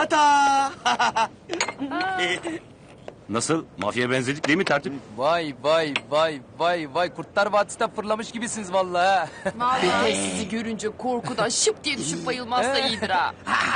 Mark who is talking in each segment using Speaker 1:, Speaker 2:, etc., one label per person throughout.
Speaker 1: Tata!
Speaker 2: Nasıl? Mafyaya benzedik değil mi tertip?
Speaker 3: Vay vay vay vay vay, Kurtlar Vadisi'nden fırlamış gibisiniz vallahi.
Speaker 4: Vallahi sizi görünce korkudan şıp diye düşüp bayılmazsa iyidir ha.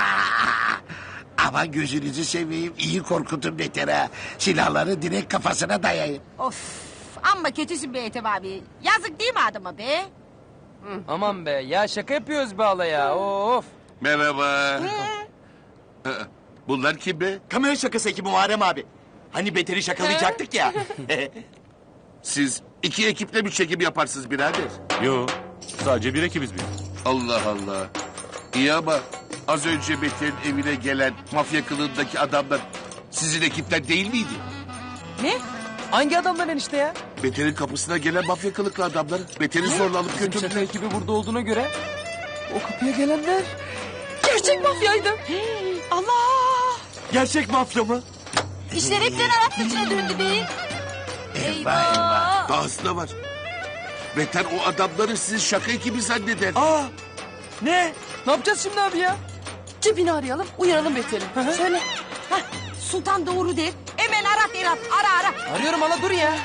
Speaker 5: Ama gözünüzü seveyim, iyi korkutun betera. Silahları direkt kafasına dayayın.
Speaker 6: Of, amma kötüsün be Ethem abi. Yazık değil mi adama be?
Speaker 3: Aman be ya, şaka yapıyoruz be hala ya, of.
Speaker 7: Merhaba. Bunlar kim be?
Speaker 1: Kamera şakası ekibi Muharrem abi. Hani Beter'i şakalayacaktık ya.
Speaker 7: Siz iki ekiple mi çekim yaparsınız birader?
Speaker 2: Yo, sadece bir ekibiz biz.
Speaker 7: Allah Allah. İyi ama az önce Beter'in evine gelen mafya kılığındaki adamlar sizin ekipten değil miydi?
Speaker 3: Ne? Hangi adamlar enişte ya?
Speaker 7: Beter'in kapısına gelen mafya kılıklı adamlar. Beter'i zorla alıp
Speaker 3: Bizim şaka
Speaker 7: götürdüler.
Speaker 3: ekibi burada olduğuna göre o kapıya gelenler gerçek mafyaydı.
Speaker 6: Allah!
Speaker 1: Gerçek mafya mı?
Speaker 6: İşler hepten Arap saçına döndü be.
Speaker 5: Eyvah eyvah.
Speaker 7: Dahası da var. Beter o adamları sizin şaka ekibi zanneder.
Speaker 1: Aa! Ne?
Speaker 3: Ne yapacağız şimdi abi ya?
Speaker 4: Cebini arayalım, uyaralım Beter'i.
Speaker 6: Söyle. Hah, Sultan doğru der. Hemen Arap. Ara.
Speaker 3: Arıyorum hala, dur ya.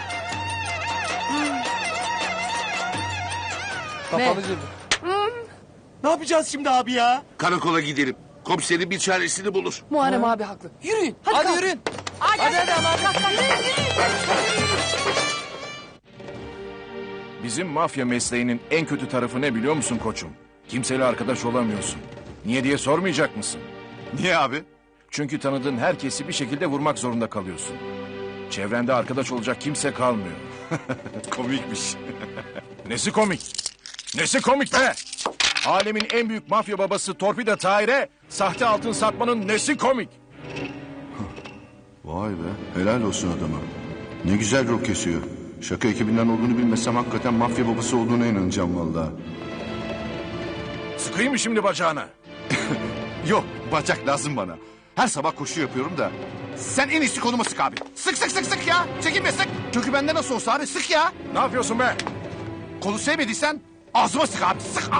Speaker 3: Kapalı cebi.
Speaker 1: Ne yapacağız şimdi abi ya?
Speaker 7: Karakola gidelim. Komiserin bir çaresini bulur.
Speaker 4: Muharrem abi haklı. Yürüyün.
Speaker 3: Hadi
Speaker 4: kalk.
Speaker 3: yürüyün.
Speaker 6: Hadi.
Speaker 8: Bizim mafya mesleğinin en kötü tarafı ne biliyor musun koçum? Kimseyle arkadaş olamıyorsun. Niye diye sormayacak mısın?
Speaker 9: Niye abi?
Speaker 8: Çünkü tanıdığın herkesi bir şekilde vurmak zorunda kalıyorsun. Çevrende arkadaş olacak kimse kalmıyor.
Speaker 9: Komikmiş.
Speaker 8: Nesi komik? Nesi komik be? Alemin en büyük mafya babası Torpida Tahir'e sahte altın satmanın nesi komik?
Speaker 9: Vay be, helal olsun adama. Ne güzel rol kesiyor. Şaka ekibinden olduğunu bilmesem hakikaten mafya babası olduğuna inanacağım vallahi.
Speaker 8: Sıkayım mı şimdi bacağına?
Speaker 9: Yok, bacak lazım bana. Her sabah koşu yapıyorum da. Sen en iyisi koluma sık abi. Sık ya. Çekinme sık. Çünkü bende nasıl olsa abi sık ya.
Speaker 8: Ne yapıyorsun be?
Speaker 9: Kolu sevmediysen ağzıma sık abi. Sık.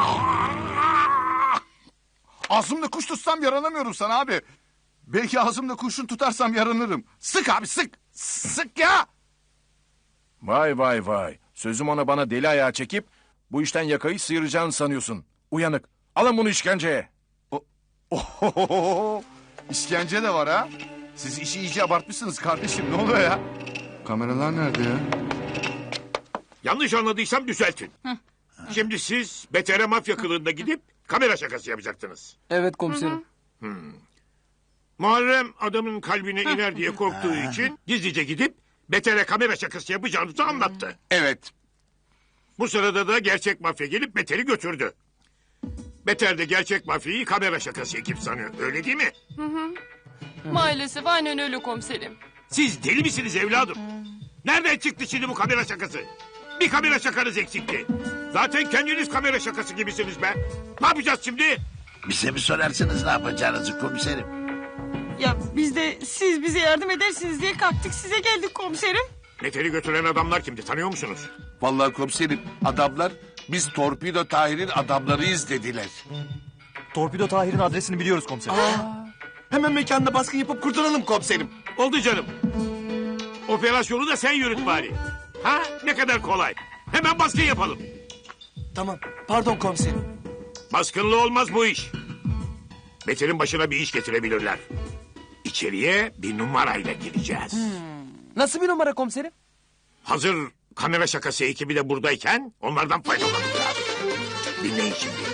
Speaker 9: Ağzımda kuş tutsam yaranamıyorum sana abi. Belki ağzımda kurşun tutarsam yaranırım. Sık abi sık. Sık ya.
Speaker 8: Vay vay vay. Sözüm ona bana deli ayağı çekip bu işten yakayı sıyıracağını sanıyorsun. Uyanık. Alın bunu işkenceye.
Speaker 9: Ohohoho. İşkence de var ha. Siz işi iyice abartmışsınız kardeşim. Ne oluyor ya? Kameralar nerede ya?
Speaker 7: Yanlış anladıysam düzeltin. Şimdi siz Beter'e mafya kılığında gidip kamera şakası yapacaktınız.
Speaker 3: Evet komiserim.
Speaker 7: Muharrem adamın kalbine iner diye korktuğu için gizlice gidip Beter'e kamera şakası yapacağınızı anlattı.
Speaker 9: Evet.
Speaker 7: Bu sırada da gerçek mafya gelip Beter'i götürdü. Beter de gerçek mafyayı kamera şakası ekip sanıyor. Öyle değil mi?
Speaker 4: Maalesef aynen öyle komiserim.
Speaker 7: Siz deli misiniz evladım? Nereden çıktı şimdi bu kamera şakası? Bir kamera şakanız eksikti. Zaten kendiniz kamera şakası gibisiniz be. Ne yapacağız şimdi?
Speaker 5: Bize mi sorarsınız ne yapacağınızı komiserim?
Speaker 6: Ya biz de siz bize yardım edersiniz diye kalktık size geldik komiserim.
Speaker 7: Beter'i götüren adamlar kimdi tanıyor musunuz?
Speaker 10: Vallahi komiserim adamlar biz Torpido Tahir'in adamlarıyız dediler.
Speaker 1: Torpido Tahir'in adresini biliyoruz komiserim. Hemen mekanına baskın yapıp kurtulalım komiserim.
Speaker 7: Oldu canım. Operasyonu da sen yürüt bari. Ha ne kadar kolay. Hemen baskın yapalım.
Speaker 1: Tamam. Pardon komiserim.
Speaker 7: Baskınlı olmaz bu iş. Beter'in başına bir iş getirebilirler. İçeriye bir numarayla gireceğiz.
Speaker 3: Nasıl bir numara komiserim?
Speaker 7: Hazır kamera şakası ekibi de buradayken onlardan faydalanacağız. Dinleyin şimdi.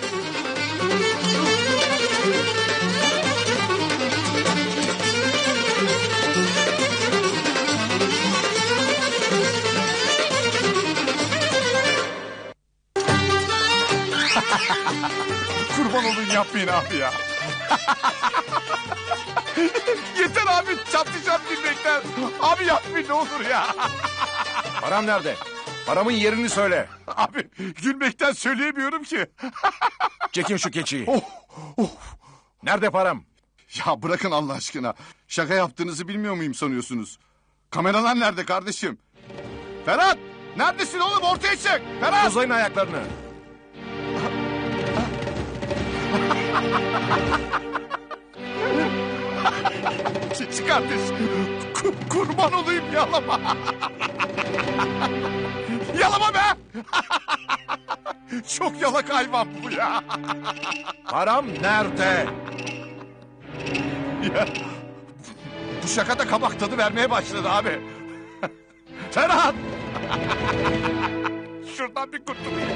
Speaker 9: Kurban olun yapmayın abi ya. Yeter abi çatlayacağım gülmekten. Abi yapmayın ne olur ya.
Speaker 8: Param nerede? Paramın yerini söyle.
Speaker 9: Abi gülmekten söyleyemiyorum ki.
Speaker 8: Çekin şu keçiyi.
Speaker 9: Oh.
Speaker 8: Nerede param?
Speaker 9: Ya bırakın Allah aşkına. Şaka yaptığınızı bilmiyor muyum sanıyorsunuz? Kameralar nerede kardeşim? Ferhat! Neredesin oğlum ortaya çık! Ferhat!
Speaker 8: Uzayın ayaklarını.
Speaker 9: kardeş. Kurban olayım yalama. Yalama be. Çok yalak hayvan bu ya.
Speaker 8: Param nerede?
Speaker 9: Ya, bu şaka da kabak tadı vermeye başladı abi. Ferhat! Şuradan bir kurtulayım.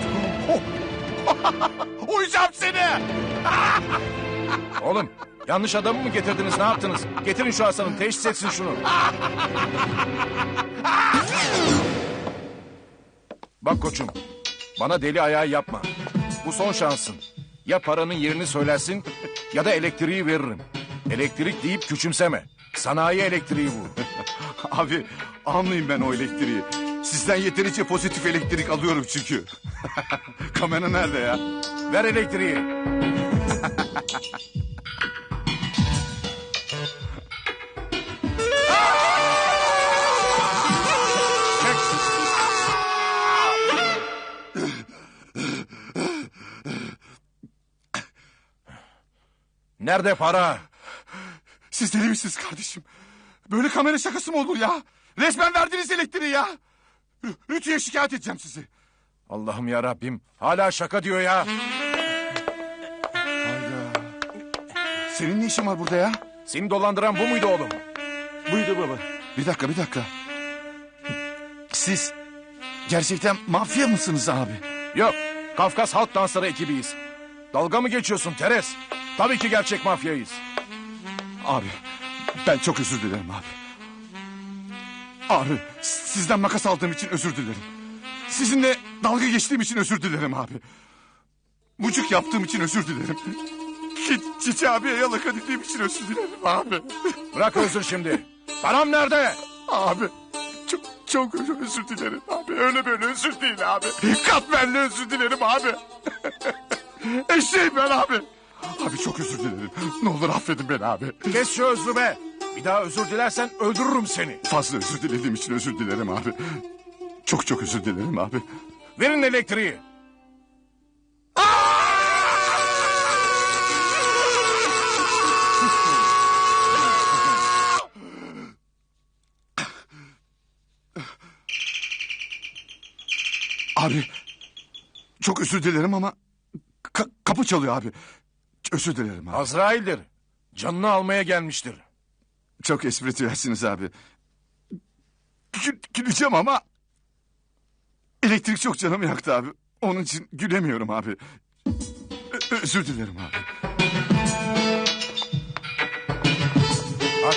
Speaker 9: Uyacağım seni!
Speaker 8: Oğlum yanlış adamı mı getirdiniz ne yaptınız? Getirin şu Hasan'ı teşhis etsin şunu. Bak koçum bana deli ayağı yapma. Bu son şansın. Ya paranın yerini söylersin ya da elektriği veririm. Elektrik deyip küçümseme. Sanayi elektriği bu.
Speaker 9: Abi almayayım ben o elektriği. Sizden yeterince pozitif elektrik alıyorum çünkü. Kamera nerede ya?
Speaker 8: Ver elektriği. Nerede para?
Speaker 9: Siz deli misiniz kardeşim? Böyle kamera şakası mı olur ya? Resmen verdiniz elektriği ya. Rütü'ye şikayet edeceğim sizi.
Speaker 8: Allah'ım ya Rabbim hala şaka diyor ya.
Speaker 9: Hayda. Senin ne işin var burada ya?
Speaker 8: Seni dolandıran bu muydu oğlum?
Speaker 1: Buydu baba.
Speaker 9: Bir dakika. Siz gerçekten mafya mısınız abi?
Speaker 8: Yok Kafkas Halk Dansları ekibiyiz. Dalga mı geçiyorsun Teres? Tabii ki gerçek mafyayız.
Speaker 9: Abi ben çok özür dilerim abi. Abi sizden makas aldığım için özür dilerim. Sizinle dalga geçtiğim için özür dilerim abi. Mucuk yaptığım için özür dilerim. Çiçi abiye yalaka dediğim için özür dilerim abi.
Speaker 8: Bırak özür şimdi. Param nerede?
Speaker 9: Abi çok özür dilerim abi. Öyle böyle özür değil abi. Katmerli özür dilerim abi. Eşeğim ben abi. Abi çok özür dilerim. Ne olur affedin beni abi.
Speaker 8: Kes şu özrü be. Bir daha özür dilersen öldürürüm seni.
Speaker 9: Fazla özür dilediğim için özür dilerim abi. Çok özür dilerim abi.
Speaker 8: Verin elektriği.
Speaker 9: Abi çok özür dilerim ama kapı çalıyor abi. Özür dilerim abi.
Speaker 8: Azrail'dir. Canını almaya gelmiştir.
Speaker 9: Çok espritüelsiniz abi. Güleceğim ama elektrik çok canımı yaktı abi. Onun için gülemiyorum abi. Özür dilerim abi.
Speaker 8: Aç.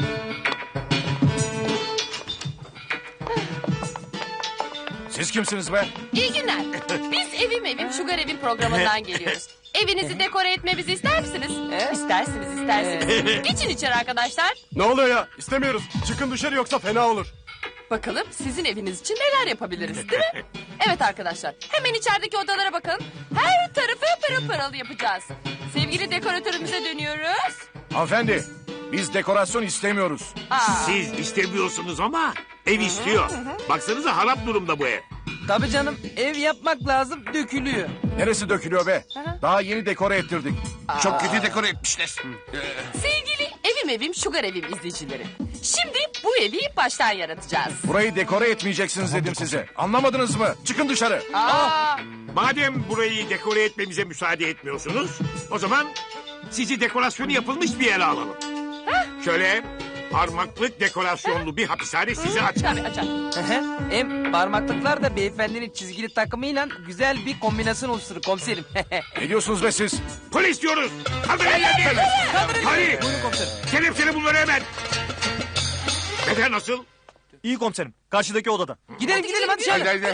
Speaker 8: Siz kimsiniz be?
Speaker 4: İyi günler. Biz Evim Sugar Evim programından geliyoruz. Evinizi dekore etmemizi ister misiniz? İstersiniz. Geçin içeri arkadaşlar.
Speaker 1: Ne oluyor ya? İstemiyoruz. Çıkın dışarı yoksa fena olur.
Speaker 4: Bakalım sizin eviniz için neler yapabiliriz değil mi? Evet arkadaşlar hemen içerideki odalara bakın. Her tarafı pırıl pırıl yapacağız. Sevgili dekoratörümüze dönüyoruz.
Speaker 8: Hanımefendi biz dekorasyon istemiyoruz.
Speaker 7: Siz istemiyorsunuz ama ev istiyor. Baksanıza harap durumda bu ev.
Speaker 3: Tabii canım ev yapmak lazım dökülüyor.
Speaker 8: Neresi dökülüyor be? Daha yeni dekore ettirdik.
Speaker 5: Çok kötü dekore etmişler.
Speaker 4: Sevgili Evim Sugar Evim izleyicileri. Şimdi bu evi baştan yaratacağız.
Speaker 8: Burayı dekore etmeyeceksiniz dedim size. Anlamadınız mı? Çıkın dışarı.
Speaker 7: Madem burayı dekore etmemize müsaade etmiyorsunuz, o zaman sizi dekorasyonu yapılmış bir yere alalım. Şöyle parmaklık dekorasyonlu bir hapishane sizi açar.
Speaker 4: Tabii açar.
Speaker 3: Hem parmaklıklar da beyefendinin çizgili takımıyla güzel bir kombinasyon oluşturur komiserim.
Speaker 8: Ne diyorsunuz be siz?
Speaker 7: Polis diyoruz. Kaldırın ellerini. Hadi.
Speaker 3: Buyurun komiserim.
Speaker 7: Kelepçeli bunları hemen. Beter nasıl?
Speaker 1: İyi komiserim. Karşıdaki odada.
Speaker 3: Gidelim hadi şöyle.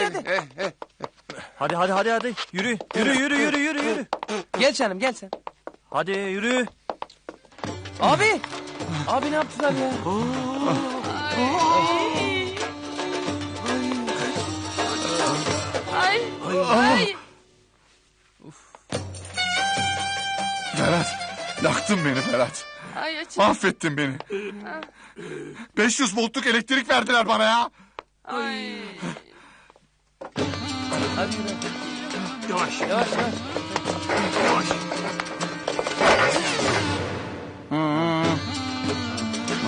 Speaker 1: Hadi. Yürü.
Speaker 3: Gel canım gel sen.
Speaker 1: Hadi yürü.
Speaker 3: Abi ne yaptılar ya?
Speaker 4: Ay.
Speaker 9: Ferhat yaktın beni Ferhat.
Speaker 4: Ay açın.
Speaker 9: Mahvettin beni. 500 voltluk elektrik verdiler bana ya.
Speaker 4: Ay.
Speaker 3: Hadi yürü.
Speaker 7: Yavaş.
Speaker 3: Yavaş.
Speaker 7: Yavaş.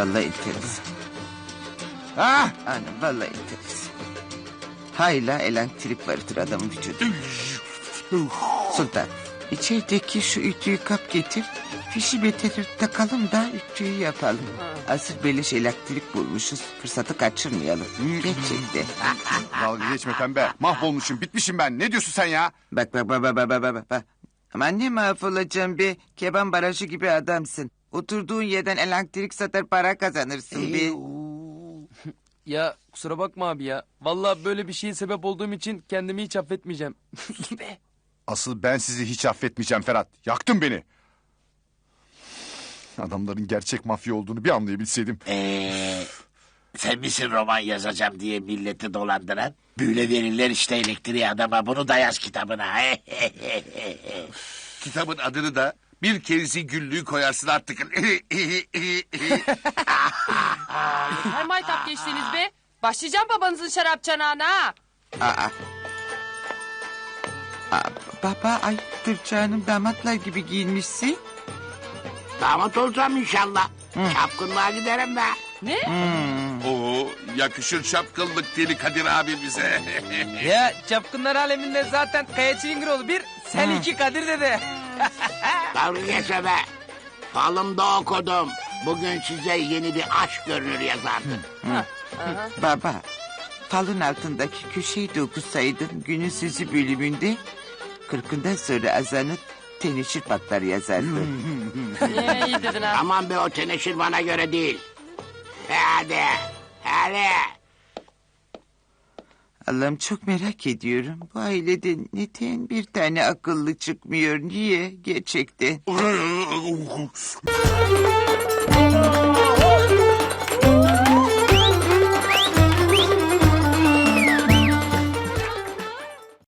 Speaker 11: Vallahi enteresan.
Speaker 9: Ha?
Speaker 11: Anam vallahi enteresan. Hayla elektrik vardır adamın vücudunda. Sultan, içerideki şu ütüyü kap getir. Fişi beterir takalım da ütüyü yapalım. Asıl beleş elektrik bulmuşuz. Fırsatı kaçırmayalım. Gerçekten.
Speaker 9: Dalga geçme pembe. Mahvolmuşum, bitmişim ben. Ne diyorsun sen ya?
Speaker 11: Bak. Aman ne mahvolacağım be. Keban barajı gibi adamsın. Oturduğun yerden elektrik satar para kazanırsın be.
Speaker 3: Ya kusura bakma abi ya. Vallahi böyle bir şeye sebep olduğum için kendimi hiç affetmeyeceğim.
Speaker 9: Asıl ben sizi hiç affetmeyeceğim Ferhat. Yaktın beni. Adamların gerçek mafya olduğunu bir anlayabilseydim.
Speaker 5: Sen misin roman yazacağım diye milleti dolandıran? Böyle verirler işte elektriği adama. Bunu da yaz kitabına.
Speaker 10: Kitabın adını da bir kerisi güllüğü koyarsın artık.
Speaker 4: Her maytap geçtiniz be. Başlayacağım babanızın şarap çanağına ha.
Speaker 11: Baba ayıptır canım, damatlar gibi giyinmişsin.
Speaker 5: Damat olacağım inşallah. Çapkınlığa giderim be.
Speaker 4: Ne?
Speaker 10: Oo, yakışır şapkınlık deli Kadir abimize.
Speaker 3: Ya çapkınlar aleminde zaten Kaya Çilingiroğlu bir, sen iki Kadir dede.
Speaker 5: Dalga geçme be. Falımda okudum. Bugün size yeni bir aşk görünür yazardım.
Speaker 11: Baba, falın altındaki köşeyi de okusaydın günün sözü bölümünde 40'ından sonra azanı teneşir patlar yazardı.
Speaker 4: İyi dedin ha.
Speaker 5: Aman be, o teneşir bana göre değil. Hadi.
Speaker 11: Allah'ım çok merak ediyorum. Bu ailede neden bir tane akıllı çıkmıyor? Niye? Gerçekten.